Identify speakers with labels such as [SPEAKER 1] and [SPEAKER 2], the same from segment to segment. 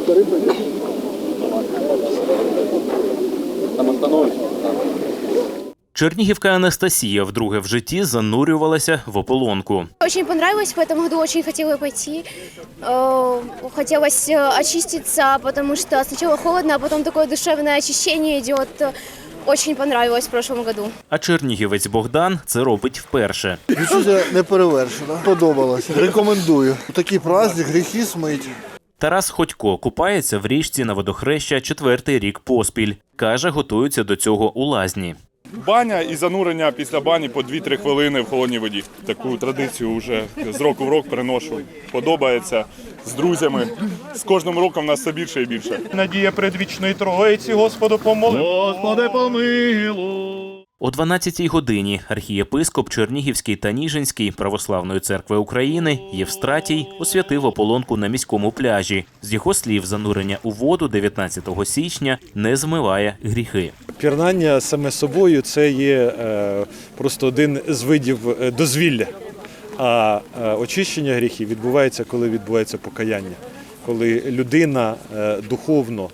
[SPEAKER 1] Чернігівка Анастасія вдруге в житті занурювалася в ополонку.
[SPEAKER 2] Очень понравилось, в этом году очень хотела пойти. Хотелось очиститься, потому что сначала холодно, а потом такое душевное очищение идет. Очень понравилось в прошлом году.
[SPEAKER 1] А чернігівець Богдан це робить вперше.
[SPEAKER 3] Відчуття неперевершено. Подобалося. Рекомендую. Такий праздник, гріхи смить.
[SPEAKER 1] Тарас Ходько купається в річці на водохреща 4-й рік поспіль. Каже, готуються до цього у лазні.
[SPEAKER 4] Баня і занурення після бані по 2-3 хвилини в холодній воді. Таку традицію вже з року в рок переношу. Подобається з друзями. З кожним роком нас все більше і більше.
[SPEAKER 5] Надія предвічної Троїці, Господу помоли. Господи помилуй.
[SPEAKER 1] О 12-й годині архієпископ Чернігівський та Ніжинський Православної церкви України Євстратій освятив ополонку на міському пляжі. З його слів, занурення у воду 19 січня не змиває гріхи.
[SPEAKER 5] Пірнання саме собою – це є просто один з видів дозвілля. А очищення гріхів відбувається, коли відбувається покаяння. Коли людина духовно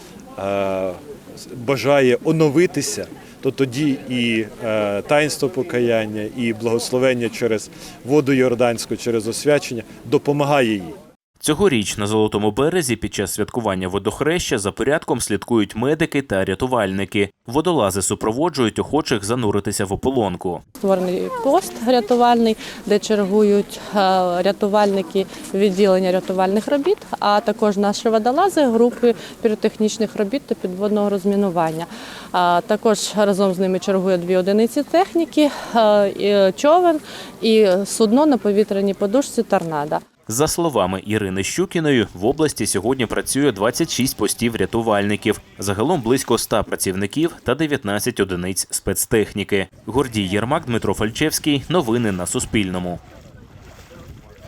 [SPEAKER 5] бажає оновитися, то тоді і таїнство покаяння, і благословення через воду Йорданську, через освячення допомагає їй.
[SPEAKER 1] Цьогоріч на Золотому березі під час святкування водохреща за порядком слідкують медики та рятувальники. Водолази супроводжують охочих зануритися в ополонку.
[SPEAKER 6] Створений пост рятувальний, де чергують рятувальники відділення рятувальних робіт, а також наші водолази групи піротехнічних робіт та підводного розмінування. Також разом з ними чергує 2 одиниці техніки, човен і судно на повітряній подушці «Торнадо».
[SPEAKER 1] За словами Ірини Щукіної, в області сьогодні працює 26 постів рятувальників. Загалом близько 100 працівників та 19 одиниць спецтехніки. Гордій Єрмак, Дмитро Фальчевський. Новини на Суспільному.